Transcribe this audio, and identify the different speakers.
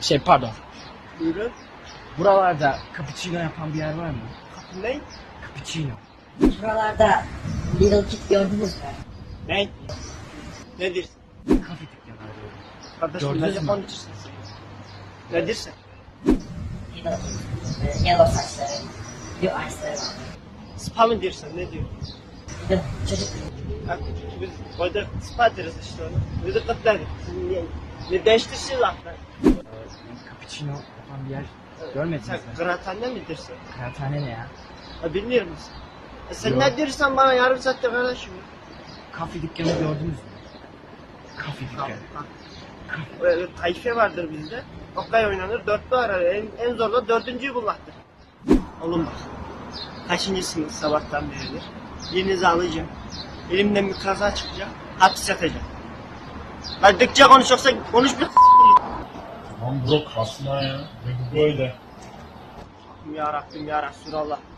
Speaker 1: Pardon.
Speaker 2: Buyurun.
Speaker 1: Buralarda cappuccino yapan bir yer var mı?
Speaker 2: Ne?
Speaker 1: Cappuccino.
Speaker 3: Buralarda Little Kid gördünüz mü?
Speaker 2: Ne? Nedir?
Speaker 1: Kafe dükkanı arıyorum.
Speaker 2: Kardeşim
Speaker 1: Gördünüz
Speaker 2: ne
Speaker 1: mü?
Speaker 2: konuşuyorsun sen? Nedirse?
Speaker 3: Little Kid. Yellow saçları. Bir ice'ları var.
Speaker 2: Spa mı diyorsun? Ne diyor?
Speaker 3: Bir de çocuk.
Speaker 2: Ha, biz orada spa deriz işte onu. Biz de kıtladık. Ne değiştirsin laflar?
Speaker 1: Cappuccino yapan bir yer görmediniz
Speaker 2: Sen
Speaker 1: mi?
Speaker 2: kıraathane mi diyorsun?
Speaker 1: Kıraathane ne ya?
Speaker 2: Ha bilmiyor musun? Sen
Speaker 1: Yok.
Speaker 2: ne diyorsan bana yarım saatte kardeşim.
Speaker 1: Kafe dükkanı gördünüz mü? Kafe dükkanı.
Speaker 2: Böyle tayfe vardır bizde. Okay oynanır, dörtlü arar. En zor da dördüncüyü bulmaktır. Oğlum bak. Kaçıncı sınıf sabahtan beridir. Birinizi alacağım. Elimden bir kaza çıkacak. Hapis yatacağım. Hadi dıkça konuş yoksa konuş bir
Speaker 4: Tamam bro kasma ya. Ne bu böyle?
Speaker 2: Ya Rabbim ya Resulallah.